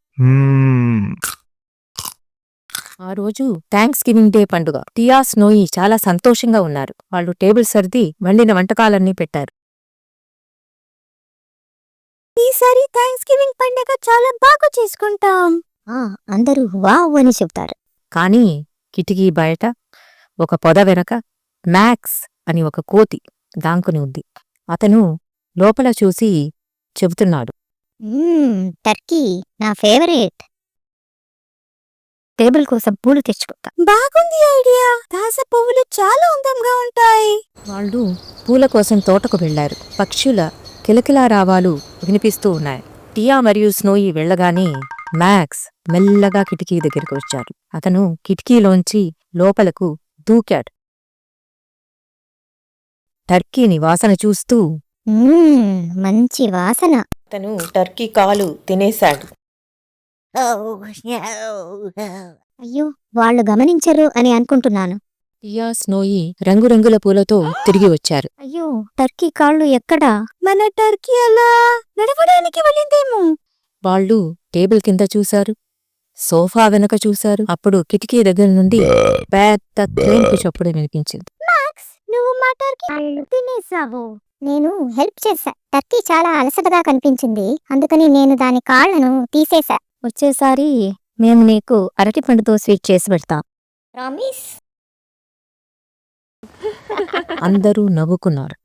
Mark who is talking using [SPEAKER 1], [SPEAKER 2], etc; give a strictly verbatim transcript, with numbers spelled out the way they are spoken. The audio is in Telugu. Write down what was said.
[SPEAKER 1] మ్మ్.
[SPEAKER 2] ఆ రోజు థ్యాంక్స్ గివింగ్ డే పండుగ. టియా, స్నోయి చాలా సంతోషంగా ఉన్నారు. వాళ్ళు టేబుల్ సర్ది వండిన వంటకాలన్నీ పెట్టారు.
[SPEAKER 3] ఈసారి థ్యాంక్స్ గివింగ్ పండుగ చాలా బాగా చేసుకుంటాం. అందరూ వావ్ అని చెప్తారు.
[SPEAKER 2] కానీ కిటికీ బయట ఒక పొద వెనక మ్యాక్స్ అని ఒక కోతి దాంకుని ఉంది. అతను లోపల చూసి చెబుతున్నాడు,
[SPEAKER 3] టర్కీ నా ఫేవరెట్. టేబుల్ కోసం పూలు తెచ్చుకుంటా. బాగుంది ఐడియా. తాజ పువ్వులు చాలా అందంగా ఉంటాయి.
[SPEAKER 2] వాళ్ళు పూల కోసం తోటకు వెళ్లారు. పక్షుల కిలకిలా రావాలు వినిపిస్తూ ఉన్నాయి. టియా మరియు స్నోయి వెళ్లగానే మ్యాక్స్ మెల్లగా కిటికీ దగ్గరికి వచ్చాడు. అతను కిటికీలోంచి లోపలకు దూకాడు. టర్కీని వాసన చూస్తూ
[SPEAKER 3] మంచి వాసన.
[SPEAKER 2] అతను టర్కీ కాలు తినేశాడు.
[SPEAKER 3] అయ్యో, వాళ్ళు గమనించరు అని అనుకుంటున్నాను.
[SPEAKER 2] టియా, స్నోయి రంగురంగుల పూలతో తిరిగి వచ్చారు.
[SPEAKER 3] అయ్యో, టర్కీ కాళ్ళు ఎక్కడా? మన టర్కీ అలా నడవడానికి వెళ్ళిందేమో.
[SPEAKER 2] వాళ్ళు టేబుల్ కింద చూశారు, సోఫా వెనక చూశారు. అప్పుడు కిటికీ దగ్గర నుండి పెద్ద తేన్పు చప్పుడు వినిపించింది.
[SPEAKER 3] నువ్వు మా టర్కీ తినేసావు. నేను హెల్ప్ చేశా. టర్కీ చాలా అలసటగా కనిపించింది, అందుకని నేను దాని కాళ్లను తీసేశా.
[SPEAKER 2] వచ్చేసారి మేము నీకు అరటిపండుతో స్వీట్ చేసి పెడతాం.
[SPEAKER 3] ప్రామిస్.
[SPEAKER 2] అందరూ నవ్వుకున్నారు.